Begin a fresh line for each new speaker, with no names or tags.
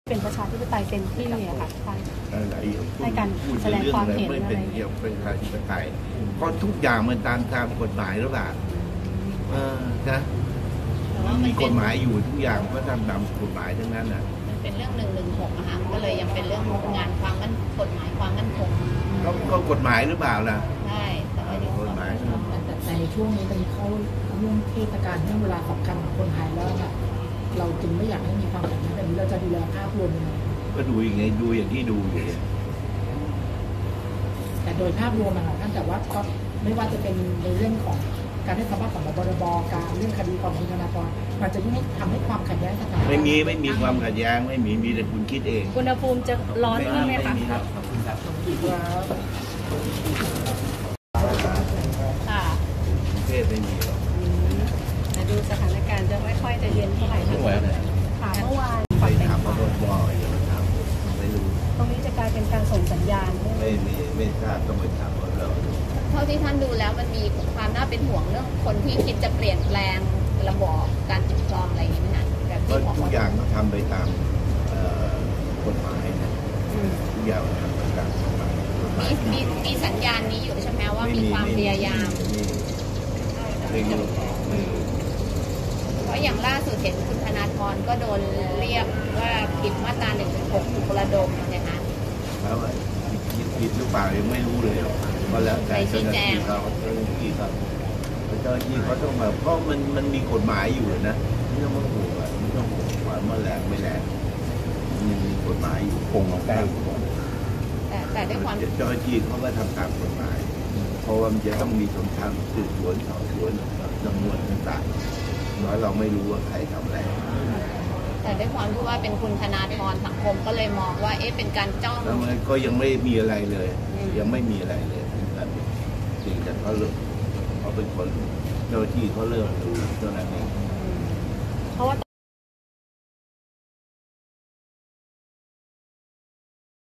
เป็นประชาธิปไตยเต็มที่อะค่ะท่านในการ
พูด
แสดงความเห็น
ไม่
อะไร
เป็นเกี่ยวกับประชาธิปไตยเพราะทุกอย่างมันตามกฎหมายหรือเปล่านะมีกฎหมายอยู่ทุกอย่างก็ทำตามกฎหมายทั้งนั้นน่ะ
มันเป็นเรื่อง116นะคะก็เลยยังเป็นเรื่องงานความมั่นกฎหมายความมั่นคง
ก็กฎหมายหรือเปล่าล่ะ
ใช่แต่ว่าอยู่
กฎหมาย
แต่ในช่วงนี้เป็นเข้าร่วมเทศกาลเรื่องเวลาสำคัญของคนไทยแล้วค่ะเราจึงไม่อยากให้มีความขัดแย้งแบบนี้เราจะดูแลภาพรวมยังไง
ก็ดูอย่างไงดูอย่างที่ดูอยู่
แต่โดยภาพรวมนะคะท่านแต่ว่าก็ไม่ว่าจะเป็นในเรื่องของการให้สัมภาษณ์ของบรบการเรื่องคดีของคุณธนาธรมันจะยิ่งทำให้ความขัดแย้งสถาบัน
ไม่มีความขัดแย้งไม่มีแต่คุณคิดเอง
อุณหภูมิจะร้อนขึ้นไหมคะ
ขอบคุณครับ
ค่ะ
กรุงเทพไม่มีหรอก
แต่ดูสถานการณ์จะไม่ค่อยจะเย็นเท่าไหร่ค่ะเมื่อวาน
ไปถามว่าบอย่ามาถามไม่รู้
ตรงนี้จะกลายเป็นการส่งสัญญาณ
ไม่ทราบต้องไปถามว่าเรา
เท่าที่ท่านดูแล้วมันมีความน่าเป็นห่วงเรื่องคนที่คิดจะเปลี่ยนแปลงระบอบการปกครองอะไรอย่างนี้ไหมคะแบบที่
ทุกอย่างก็ทำไปตามกฎหมายนะทุกอย่างทำไปตามกฎหมาย
มีสัญญาณนี้อยู่ใช่ไหมว่ามีความพยายาม
ไม่รู้
เพราะอย่างล่าสุดเห็นคุณธนาธรก็โดนเรียกว่าผิดมาตรา116ถูกระดมนะคะ
แล้วผิดหรือเปล่ายังไม่รู้เลยก็แล้วแต่เจ้าหน้าที่เขาต้องแบบเพราะมันมีกฎหมายอยู่นะไม่ต้องมาห่วงไม่ต้องห่วงว่าเมื่อแรงไม่แรงมันมีกฎหมายอยู่คงมาแก้
แต่ด้วยความ
เจ้าหน้าที่เขาก็ทำตามกฎหมายเพราะว่ามันจะต้องมีสงครามสืบสวนสอบสวนจำนวนต่างๆน้อยเราไม่รู้ว่าใครทำอะไร
แต่ด้วยความที่ว่าเป็นคุณธนาธรสังคมก็เลยมองว่าเป็นการจ้อง
แล้วมันก็ยังไม่มีอะไรเลยยังไม่มีอะไรเลยจริงแต่เขาเป็นคนเจ้าหน้าที่เขาเริ่มดูเท่านั้นเอง
เพราะว่า